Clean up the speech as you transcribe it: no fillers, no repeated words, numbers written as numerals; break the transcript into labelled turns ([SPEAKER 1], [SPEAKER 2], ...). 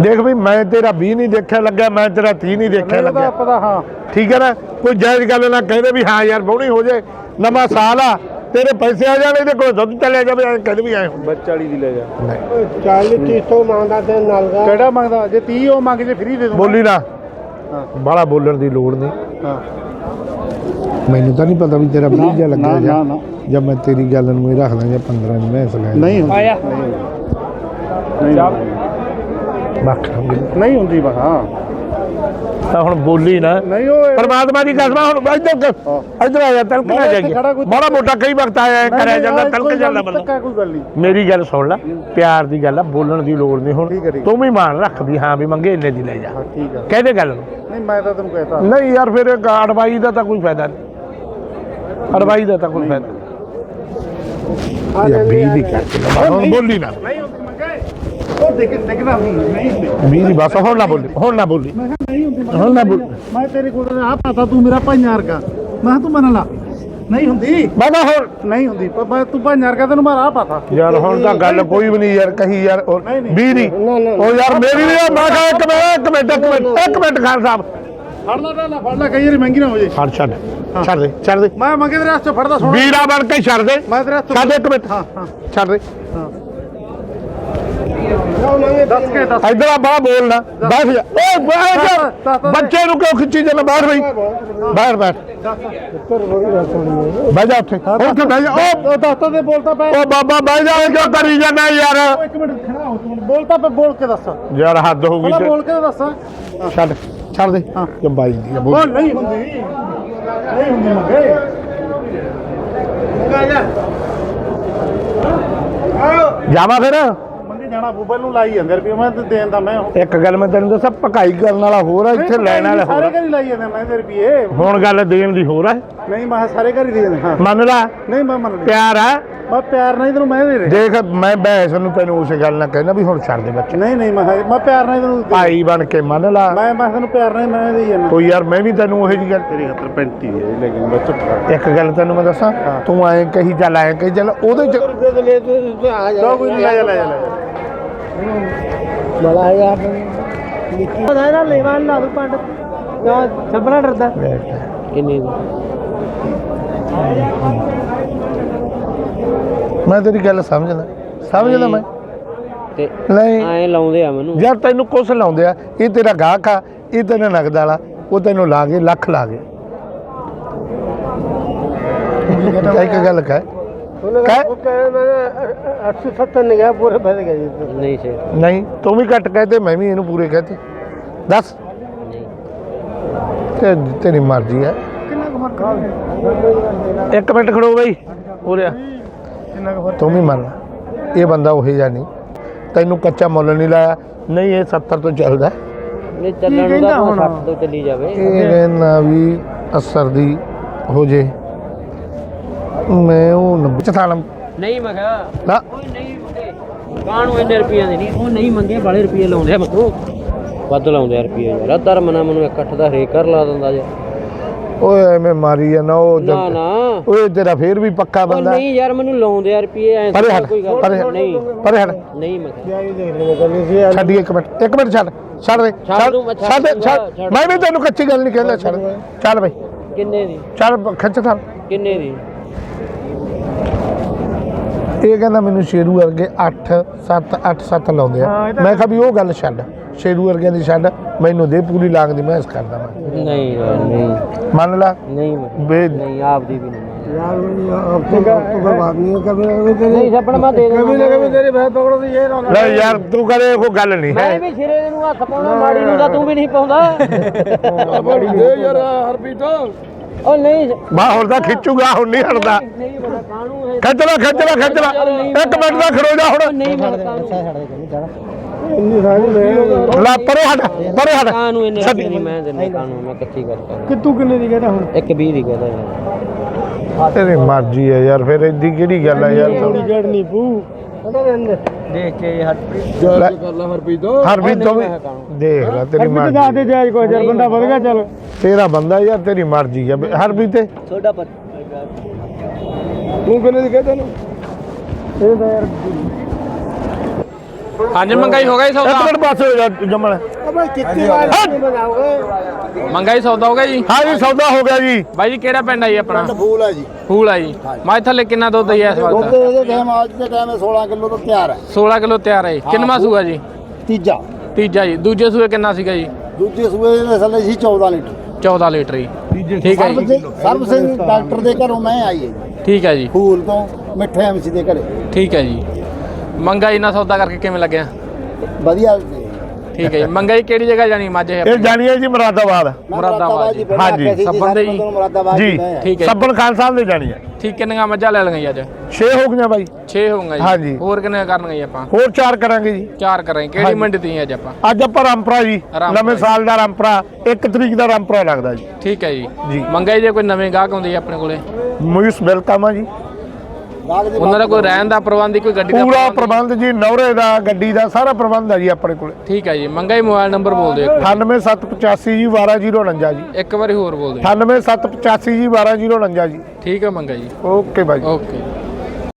[SPEAKER 1] देख भाई मैं तेरा 20 नहीं देखा लगा, मैं तेरा 30 नहीं देखा लगा
[SPEAKER 2] पता। हाँ
[SPEAKER 1] ठीक है ना, कोई जायज गल ना कहते भी हाँ यार बहुनी हो जाए, नवा साल आ तेरे पैसे आ जाने दे कोई दुध चले जावे कहते भी आए
[SPEAKER 2] बस 40 ਦੀ ਲੈ ਜਾ
[SPEAKER 3] 40 30 ਤੋਂ ਮੰਗਦਾ ਤੇ ਨਾਲ ਦਾ
[SPEAKER 2] ਕਿਹੜਾ ਮੰਗਦਾ ਜੇ 30 ਉਹ ਮੰਗ ਜੇ ਫ੍ਰੀ ਦੇ ਦੂੰ
[SPEAKER 1] बोली ना
[SPEAKER 2] हाँ
[SPEAKER 1] बाला बोलने की लोड़ नहीं।
[SPEAKER 2] ਹਾਂ
[SPEAKER 1] मैनू तो नहीं पता भी तेरा 20 जा लगे
[SPEAKER 2] ना ना
[SPEAKER 1] जब मैं तेरी गल में रख दा 15 में मैं सलाह
[SPEAKER 2] नहीं आया नहीं ਹੁੰਦੀ ਬਸ ਹਾਂ
[SPEAKER 1] ਹੁਣ ਬੋਲੀ ਨਾ
[SPEAKER 2] ਨਹੀਂ ਉਹ
[SPEAKER 1] ਪਰਮਾਤਮਾ ਦੀ ਕਸਮ ਹੁਣ ਇੱਧਰ ਆ ਜਾ ਤਲਕ ਨਾ ਜਾਈਏ ਬੜਾ ਮੋਟਾ ਕਈ ਵਕਤ ਆਇਆ ਕਰਿਆ ਜਾਂਦਾ ਤਲਕ ਜਾਂਦਾ ਬੰਦਾ
[SPEAKER 2] ਕੋਈ ਗੱਲ ਨਹੀਂ
[SPEAKER 1] ਮੇਰੀ ਗੱਲ ਸੁਣ ਲੈ ਪਿਆਰ ਦੀ ਗੱਲ ਆ ਬੋਲਣ ਦੀ ਲੋੜ ਨਹੀਂ ਹੁਣ ਤੂੰ ਵੀ ਮਾਨ ਰੱਖ ਵੀ ਹਾਂ ਵੀ ਮੰਗੇ ਇੰਨੇ ਦੀ ਲੈ ਜਾ
[SPEAKER 2] ਠੀਕ ਆ
[SPEAKER 1] ਕਹਦੇ ਗੱਲ ਨੂੰ
[SPEAKER 2] ਨਹੀਂ ਮੈਂ ਤਾਂ ਤੈਨੂੰ ਕਹਿਤਾ
[SPEAKER 1] ਨਹੀਂ ਯਾਰ ਫਿਰ ਅੜਵਾਈ ਦਾ ਤਾਂ ਕੋਈ ਫਾਇਦਾ ਨਹੀਂ ਅੜਵਾਈ ਦਾ ਤਾਂ ਕੋਈ ਫਾਇਦਾ ਨਹੀਂ 20 ਦੀ ਕਰਕੇ ਹੁਣ ਬੋਲੀ ਨਾ
[SPEAKER 2] ਨਹੀਂ ਹੁੰਦੀ ਮੰਗੇ ਉਹ ਦੇਖਣਾ ਨਹੀਂ
[SPEAKER 1] 20 ਦੀ ਬਸ ਹੁਣ ਨਾ ਬੋਲੀ ਹੁਣ ਨਾ ਬੋਲੀ
[SPEAKER 2] ਨਹੀਂ ਹੁੰਦੀ
[SPEAKER 1] ਹੁਣ ਨਾ ਬੋਲੀ
[SPEAKER 2] ਮੈਂ ਤੇਰੇ ਕੋਲ ਆ ਪਾਤਾ ਤੂੰ ਮੇਰਾ ਭਾਈਆਂ ਵਰਗਾ ਮੈਂ ਤੂੰ ਮੰਨ ਲਾ ਨਹੀਂ ਹੁੰਦੀ
[SPEAKER 1] ਮੈਂ ਤਾਂ ਹੁਣ
[SPEAKER 2] ਨਹੀਂ ਹੁੰਦੀ ਪਰ ਮੈਂ ਤੂੰ ਭਾਈਆਂ ਵਰਗਾ ਤੈਨੂੰ ਮੈਂ ਰਾਹ ਪਾਤਾ
[SPEAKER 1] ਯਾਰ ਹੁਣ ਤਾਂ ਗੱਲ ਕੋਈ ਵੀ ਨਹੀਂ ਯਾਰ ਕਹੀ ਯਾਰ 20 ਦੀ ਉਹ ਯਾਰ ਮੇਰੀ ਵੀ ਮੈਂ ਕਿਹਾ ਇੱਕ ਮਿੰਟ ਖਾਨ ਸਾਹਿਬ
[SPEAKER 2] ਫੜ ਲੈ ਕਈ ਵਾਰੀ ਮਹਿੰਗੀ ਨਾ ਹੋ ਜੇ
[SPEAKER 1] ਛੱਡ ਦੇ
[SPEAKER 2] ਮੈਂ ਮੰਗੇ ਤੇਰੇ ਹੱਥ ਚੋਂ ਫੜਦਾ ਸੋਣਾ
[SPEAKER 1] ਵੀਰਾ ਬਣ ਕੇ ਛੱਡ ਦੇ
[SPEAKER 2] ਮੈਂ ਤੇਰੇ ਹੱਥ
[SPEAKER 1] ਛੱਡ ਦੇ ਇੱਕ ਮਿੰਟ
[SPEAKER 2] ਹਾਂ
[SPEAKER 1] ਛੱਡ ਦੇ
[SPEAKER 2] ਦੱਸ ਕੇ ਦੱਸ
[SPEAKER 1] ਇਧਰ ਆ ਬਾਹਰ ਬੋਲਣਾ ਬੈਠ ਜਾ ਓਏ ਬੱਚੇ ਨੂੰ ਕਿਉਂ ਖਿੱਚੀ ਜਾਂਦਾ ਬਾਹਰ ਬਈ ਬਾਹਰ ਬੈਠ ਬਹਿ ਜਾ ਉੱਥੇ ਬਹਿ ਜਾ
[SPEAKER 2] ਉਹ ਦੱਸਤਾ ਤੇ ਬੋਲਤਾ ਪੈ
[SPEAKER 1] ਉਹ ਬਾਬਾ ਬਹਿ ਜਾ ਕਿਉਂ ਕਰੀ ਜਾਂਦਾ ਯਾਰ
[SPEAKER 2] ਇੱਕ ਮਿੰਟ ਖੜਾ ਹੋ ਤੂੰ ਬੋਲਤਾ ਪੈ ਬੋਲ ਕੇ ਦੱਸ
[SPEAKER 1] ਯਾਰ ਹੱਦ ਹੋ ਗਈ
[SPEAKER 2] ਬੋਲ ਕੇ ਦੱਸ
[SPEAKER 1] ਛੱਡ ਦੇ ਕਿ ਬਾਈ ਦੀ
[SPEAKER 2] ਬੋਲ ਨਹੀਂ ਹੁੰਦੀ ਮੰਗੇ
[SPEAKER 1] ਜਾਵਾ ਫਿਰ
[SPEAKER 2] ਮੰਗੇ ਜਾਣਾ ਬੂਬਲ ਨੂੰ ਲਾਈ ਜਾਂਦੇ ਰੁਪਏ ਮੈਂ ਤੇ ਦੇਣ ਦਾ ਮੈਂ
[SPEAKER 1] ਇੱਕ ਗੱਲ ਮੈਂ ਤੈਨੂੰ ਦੱਸਾਂ ਭਕਾਈ ਕਰਨ ਵਾਲਾ ਹੋਰ ਆ ਇੱਥੇ ਲੈਣ ਵਾਲਾ ਹੋਰ
[SPEAKER 2] ਸਾਰੇ ਘਰ ਹੀ ਲਾਈ ਜਾਂਦੇ ਮੈਂ ਤੇ ਰੁਪਏ
[SPEAKER 1] ਹੁਣ ਗੱਲ ਦੇਣ ਦੀ ਹੋਰ ਆ
[SPEAKER 2] ਨਹੀਂ ਮੈਂ ਸਾਰੇ ਘਰ ਹੀ ਦੇ ਦਿੰਦਾ ਹਾਂ
[SPEAKER 1] ਮੰਨ ਲਾ
[SPEAKER 2] ਨਹੀਂ ਮੈਂ ਮੰਨ ਲਿਆ
[SPEAKER 1] ਪਿਆਰ ਆ
[SPEAKER 2] ਮੈਂ ਪਿਆਰ ਨਾਲ ਤੈਨੂੰ ਮੈਂ ਦੇ ਰਿਹਾ
[SPEAKER 1] ਦੇਖ ਮੈਂ ਬੈਸ ਨੂੰ ਤੈਨੂੰ ਉਸੇ ਗੱਲ ਨਾਲ ਕਹਿਣਾ ਵੀ ਹੁਣ ਛੱਡ ਦੇ ਬੱਚੇ
[SPEAKER 2] ਨਹੀਂ ਮੈਂ ਪਿਆਰ ਨਾਲ ਤੈਨੂੰ
[SPEAKER 1] ਭਾਈ ਬਣ ਕੇ ਮੰਨ ਲਾ
[SPEAKER 2] ਮੈਂ ਤੈਨੂੰ ਪਿਆਰ ਨਾਲ ਮੈਂ ਦੇ ਜਾਂਦਾ
[SPEAKER 1] ਕੋਈ ਯਾਰ ਮੈਂ ਵੀ ਤੈਨੂੰ ਉਹੀ ਜੀ ਗੱਲ
[SPEAKER 2] ਤੇਰੀ ਖਾਤਰ 35 ਹੈ ਲੇਕਿਨ ਮੈਂ ਚੁੱਪ
[SPEAKER 1] ਇੱਕ ਗੱਲ ਤੈਨੂੰ ਮੈਂ ਦੱਸਾਂ ਤੂੰ ਐਂ ਕਹੀ ਚੱਲ ਉਹਦੇ ਚ
[SPEAKER 2] ਕੋਈ ਨਹੀਂ ਲੈ ਜਾ
[SPEAKER 3] ਬੜਾ ਯਾਰ
[SPEAKER 4] ਉਹਦਾ ਨਾ ਲੈਵਾ ਲਾ ਦੂ ਪੰਡ ਨਾ ਛੱਬਣਾ ਡਰਦਾ
[SPEAKER 3] ਕਿੰਨੀ
[SPEAKER 1] ਮੈਂ ਤੇਰੀ ਗੱਲ ਸਮਝਦਾ ਮੈਂ
[SPEAKER 3] ਤੇ
[SPEAKER 1] ਨਹੀਂ
[SPEAKER 3] ਐ ਲਾਉਂਦੇ ਆ ਮੈਨੂੰ
[SPEAKER 1] ਯਾਰ ਤੈਨੂੰ ਕੁਛ ਲਾਉਂਦੇ ਆ ਇਹ ਤੇਰਾ ਗਾਹਕ ਆ ਇਹ ਤੇਰਾ ਨਗਦ ਵਾਲਾ ਉਹ ਤੈਨੂੰ ਲਾ ਕੇ ਲੱਖ ਲਾ ਕੇ ਇੱਕ ਗੱਲ ਕਹਿ
[SPEAKER 3] ਨਹੀਂ ਸੇ
[SPEAKER 1] ਨਹੀਂ ਤੂੰ ਵੀ ਘੱਟ ਕਹਤੇ ਮੈਂ ਵੀ ਇਹਨੂੰ ਪੂਰੇ ਕਹਤੇ ਦੱਸ
[SPEAKER 3] ਨਹੀਂ
[SPEAKER 1] ਤੇਰੀ ਮਰਜ਼ੀ ਹੈ ਇੱਕ ਮਿੰਟ ਖੜੋ ਬਈ ਉਰੇ ਤੂੰ ਵੀ ਮੰਨ ਇਹ ਬੰਦਾ ਉਹੀ ਜਾਂ ਨਹੀਂ ਤੈਨੂੰ ਕੱਚਾ ਮੁੱਲ ਨਹੀਂ ਲਾਇਆ ਨਹੀਂ ਇਹ 70 ਤੋਂ ਚੱਲਦਾ
[SPEAKER 3] ਨਹੀਂ ਚੱਲਣ ਦਾ 60 ਤੋਂ ਚੱਲੀ ਜਾਵੇ
[SPEAKER 1] ਇਹ ਕਹਿੰਦਾ ਵੀ 80 ਦੀ ਹੋ ਜੇ ਮੈਂ ਉਹ 90 ਚ ਥਾ ਲਾਂ
[SPEAKER 3] ਨਹੀਂ ਮੈਂ ਕਿਹਾ
[SPEAKER 1] ਨਾ
[SPEAKER 3] ਕੋਈ ਨਹੀਂ ਮੁੰਡੇ ਕਾਹਨੂੰ ਇੰਨੇ ਰੁਪਈਆਂ ਦੇ ਨਹੀਂ ਉਹ ਨਹੀਂ ਮੰਗੇ ਬਾਲੇ ਰੁਪਈਏ ਲਾਉਂਦੇ ਆ ਮੈਨੂੰ ਵੱਧ ਲਾਉਂਦੇ ਆ ਰੁਪਈਏ ਯਾਰ ਅਦਰ ਮਨਾ ਮੈਨੂੰ ਇਕੱਠ ਦਾ ਹਰੇਕ ਕਰ ਲਾ ਦਿੰਦਾ ਜੇ
[SPEAKER 1] ਓਏ ਐਵੇਂ ਮਾਰੀ ਆ ਨਾ ਉਹ
[SPEAKER 3] ਨਾ
[SPEAKER 1] ਓਏ ਤੇਰਾ ਫੇਰ ਵੀ ਪੱਕਾ ਬੰਦਾ
[SPEAKER 3] ਨਹੀਂ ਯਾਰ ਮੈਨੂੰ ਲਾਉਂਦੇ ਆ ਰੁਪਈਏ ਐ
[SPEAKER 1] ਪਰੇ ਹਟ
[SPEAKER 3] ਕੋਈ ਗੱਲ ਨਹੀਂ
[SPEAKER 1] ਪਰੇ ਹਟ
[SPEAKER 3] ਨਹੀਂ ਮੈਂ ਕਿਹਾ
[SPEAKER 1] ਛੱਡੀ ਇੱਕ ਮਿੰਟ ਛੱਡ ਦੇ ਮੈਂ ਵੀ ਤੈਨੂੰ ਕੱਚੀ ਗੱਲ ਨਹੀਂ ਕਹਿੰਦਾ ਛੱਡ ਚੱਲ ਬਈ
[SPEAKER 3] ਕਿੰਨੇ ਦੀ
[SPEAKER 1] ਚੱਲ ਖਿੱਚ ਥਾਲ
[SPEAKER 3] ਕਿੰਨੇ ਦੀ
[SPEAKER 1] ਇਹ ਕਹਿੰਦਾ ਮੈਨੂੰ ਸ਼ੇਰੂ ਵਰਗੇ 8-7 ਲਾਉਂਦੇ ਆ ਮੈਂ ਕਿਹਾ ਵੀ ਉਹ ਗੱਲ ਛੱਡ ਸ਼ੇਰੂ ਵਰਗਿਆਂ ਦੀ ਛੱਡ ਮੈਨੂੰ ਦੇ ਪੂਰੀ ਲਾਂਗ ਦੀ ਮੈਂ ਇਸ ਕਰਦਾ ਮੈਂ
[SPEAKER 3] ਨਹੀਂ ਨਹੀਂ
[SPEAKER 1] ਮੰਨ ਲਾ
[SPEAKER 3] ਨਹੀਂ ਨਹੀਂ ਆਪਦੀ ਵੀ ਨਹੀਂ
[SPEAKER 2] यार अब तो बर्बाद नहीं कभी
[SPEAKER 3] नहीं सपना मैं दे
[SPEAKER 2] कभी ना कभी तेरी भैंस पकड़ो तो ये ना
[SPEAKER 1] ਲੈ ਯਾਰ ਤੂੰ ਕਰੇ ਕੋਈ ਗੱਲ ਨਹੀਂ
[SPEAKER 3] मैं भी सिरे ਨੂੰ ਹੱਥ ਪਾਉਣਾ ਮਾੜੀ ਨੂੰ ਤਾਂ ਤੂੰ ਵੀ ਨਹੀਂ ਪਾਉਂਦਾ
[SPEAKER 2] बड़ी दे यार हरपीट
[SPEAKER 3] ਉਹ ਨਹੀਂ
[SPEAKER 1] ਬਾ ਹੁਣ ਤਾਂ ਖਿੱਚੂਗਾ ਹੁਣ ਨਹੀਂ ਹਟਦਾ
[SPEAKER 3] ਨਹੀਂ ਬੜਾ ਕਾਹਨੂੰ ਹੈ
[SPEAKER 1] ਖਿੱਚ ਲੈ ਇੱਕ ਮਿੰਟ ਦਾ ਖੜੋ ਜਾ ਹੁਣ
[SPEAKER 3] ਨਹੀਂ ਮੈਂ ਕਾਹਨੂੰ
[SPEAKER 2] इतनी सारी ले
[SPEAKER 1] ਲਾ ਪਰੇ ਹਟ
[SPEAKER 3] ਕਾਹਨੂੰ ਇੰਨੇ ਰੁਪਏ ਨਹੀਂ ਮੈਂ ਦਿੰਦਾ ਕਾਹਨੂੰ ਮੈਂ ਕੱਚੀ ਗੱਲ ਕਰ
[SPEAKER 2] कि तू कितने दी कहता हूं
[SPEAKER 3] ਇੱਕ 20 ਦੀ ਕਹਦਾ ਯਾਰ
[SPEAKER 1] ਤੇਰੀ ਮਰਜ਼ੀ ਹੈ ਯਾਰ ਫਿਰ ਇੱਦੀ ਕਿਹੜੀ ਗੱਲ ਹੈ ਯਾਰ
[SPEAKER 2] थोड़ी गड़ नहीं पू
[SPEAKER 3] ਦੇਖ ਕੇ ਹਰਪ੍ਰੀਤ
[SPEAKER 2] कर ला हरपीट
[SPEAKER 1] ਹਰ ਵੀ ਤੋਂ ਵੀ ਦੇਖ ਲੈ ਤੇਰੀ ਮਰਜ਼ੀ
[SPEAKER 2] जा दे जायज को यार बंदा बढ़ गया चल
[SPEAKER 1] ਤੇਰਾ ਬੰਦਾ ਯਾਰ ਤੇਰੀ ਮਰਜ਼ੀ ਹੈ ਹਰ ਵੀ ਤੇ
[SPEAKER 3] ਤੁਹਾਡਾ ਪਰ
[SPEAKER 2] तू कितने दी कहता ना ये तो यार
[SPEAKER 5] ਹਾਂਜੀ ਮੰਗਾਈ ਹੋ ਗਈ
[SPEAKER 1] ਇੱਕ
[SPEAKER 5] ਸੌਦਾ
[SPEAKER 1] ਮਿੰਟ ਬਸ ਹੋ ਜਾ ਜਮਣ
[SPEAKER 4] ਓਏ ਕਿੱਥੇ ਵਾਲੀ ਬਣਾਓਗੇ
[SPEAKER 5] ਮੰਗਾਈ ਸੌਦਾ ਹੋ ਗਿਆ ਜੀ
[SPEAKER 1] ਹਾਂ ਜੀ ਸੌਦਾ ਹੋ ਗਿਆ ਜੀ
[SPEAKER 5] ਬਾਈ ਜੀ ਕਿਹੜਾ ਪਿੰਡ ਆ ਜੀ ਆਪਣਾ
[SPEAKER 2] ਫੂਲ ਹੈ ਜੀ
[SPEAKER 5] ਫੂਲ ਆ ਜੀ ਮੈਂ ਥੱਲੇ ਕਿੰਨਾ ਦੁੱਧ ਹੈ ਇਸ
[SPEAKER 2] ਦੁੱਧ
[SPEAKER 5] ਵਕਤ
[SPEAKER 2] ਇਹਦੇ ਟਾਈਮ ਅੱਜ ਦੇ ਟਾਈਮ 16 ਕਿਲੋ ਤੋਂ ਤਿਆਰ ਹੈ
[SPEAKER 5] 16 ਕਿਲੋ ਤਿਆਰ ਹੈ ਜੀ। ਕਿੰਨਵਾਂ ਸੂਆ ਜੀ
[SPEAKER 2] ਤੀਜਾ
[SPEAKER 5] ਤੀਜਾ ਜੀ ਦੂਜੇ ਸੂਏ ਕਿੰਨਾ ਸੀਗਾ ਜੀ
[SPEAKER 2] ਦੂਜੇ ਸੂਏ ਦੇ ਥੱਲੇ ਸੀ 14 ਲੀਟਰ
[SPEAKER 5] 14 ਲੀਟਰ ਜੀ ਠੀਕ ਹੈ ਜੀ
[SPEAKER 2] ਸਰਬ ਸਿੰਘ ਡਾਕਟਰ ਦੇ ਘਰੋਂ ਮੈਂ ਆਈ ਹੈ ਜੀ
[SPEAKER 5] ਠੀਕ ਹੈ ਜੀ
[SPEAKER 2] ਫੂਲ ਤੋਂ ਮਿੱਠੇ ਐਮਸੀ ਦੇ ਘਰੇ
[SPEAKER 5] ਠੀਕ ਹੈ ਜੀ ਮੰਗਾਈ ਨਾਲ ਸੌਦਾ ਕਰਕੇ ਕਿਵੇਂ ਲੱਗਿਆ
[SPEAKER 2] ਵਧੀਆ
[SPEAKER 5] ਠੀਕ ਹੈ ਜੀ ਮੰਗਾਈ ਕਿਹੜੀ ਜਗ੍ਹਾ ਜਾਣੀ ਮੱਝ ਹੈ
[SPEAKER 1] ਇਹ ਜਾਣੀ ਹੈ ਜੀ ਮੁਰਾਦਾਬਾਦ
[SPEAKER 5] ਮੁਰਾਦਾਬਾਦ ਜੀ।
[SPEAKER 1] ਹਾਂਜੀ,
[SPEAKER 5] ਸੱਬਣ ਦੇ ਜੀ।
[SPEAKER 1] ਜੀ
[SPEAKER 5] ਠੀਕ ਹੈ ਜੀ।
[SPEAKER 1] ਸੱਬਣ ਖਾਨ ਸਾਹਿਬ ਦੇ ਜਾਣੀ ਹੈ
[SPEAKER 5] ਠੀਕ ਕਿੰਨੀਆਂ ਮੱਝਾਂ ਲੈ ਲਈਆਂ ਜੀ ਅੱਜ
[SPEAKER 1] 6 ਹੋ ਗਈਆਂ ਬਾਈ
[SPEAKER 5] 6 ਹੋਊਗਾ ਜੀ
[SPEAKER 1] ਹਾਂਜੀ।
[SPEAKER 5] ਹੋਰ ਕਿੰਨੇ ਕਰਨਗੇ ਜੀ ਆਪਾਂ
[SPEAKER 1] ਹੋਰ 4 ਕਰਾਂਗੇ ਜੀ
[SPEAKER 5] 4 ਕਰਾਂਗੇ ਕਿਹੜੀ
[SPEAKER 1] ਹਾਂਜੀ।
[SPEAKER 5] ਮੰਡੀ ਤੀ ਅੱਜ ਆਪਾਂ
[SPEAKER 1] ਅੱਜ ਆਪਾਂ ਰਾਮਪੁਰਾ ਜੀ
[SPEAKER 5] ਰਾਮਪੁਰਾ
[SPEAKER 1] ਨਵੇਂ
[SPEAKER 5] ਜੀ।
[SPEAKER 1] ਸਾਲ ਦਾ ਰਾਮਪੁਰਾ 1 ਤਰੀਕ ਦਾ ਰਾਮਪੁਰਾ ਲੱਗਦਾ ਜੀ
[SPEAKER 5] ਠੀਕ ਹੈ ਜੀ
[SPEAKER 1] ਜੀ।
[SPEAKER 5] ਮੰਗਾਈ ਜੇ ਕੋਈ ਨਵੇਂ ਗਾਹਕ ਆਉਂਦੇ ਆਪਣੇ ਕੋਲੇ
[SPEAKER 1] ਮੋਇਸ ਵੈਲਕਮ ਆ ਜੀ
[SPEAKER 5] ਉਹਨਾਂ ਦਾ ਕੋਈ ਰਹਿਣ ਦਾ ਪ੍ਰਬੰਧ ਕੋਈ ਗੱਡੀ ਦਾ
[SPEAKER 1] ਪੂਰਾ ਪ੍ਰਬੰਧ ਜੀ ਨੌਰੇ ਦਾ ਗੱਡੀ ਦਾ ਸਾਰਾ ਪ੍ਰਬੰਧ ਹੈ ਜੀ ਆਪਣੇ ਕੋਲੇ
[SPEAKER 5] ਠੀਕ ਹੈ ਜੀ ਮੰਗਾਈ ਮੋਬਾਈਲ ਨੰਬਰ ਬੋਲ ਦਿਓ
[SPEAKER 1] 98785 ਜੀ 12049 ਜੀ
[SPEAKER 5] ਇੱਕ ਵਾਰੀ ਹੋਰ ਬੋਲ ਦਿਓ
[SPEAKER 1] 98785 ਜੀ 12049 ਜੀ
[SPEAKER 5] ਠੀਕ ਹੈ ਮੰਗਾ ਜੀ
[SPEAKER 1] ਓਕੇ ਬਾਈ
[SPEAKER 5] ਓਕੇ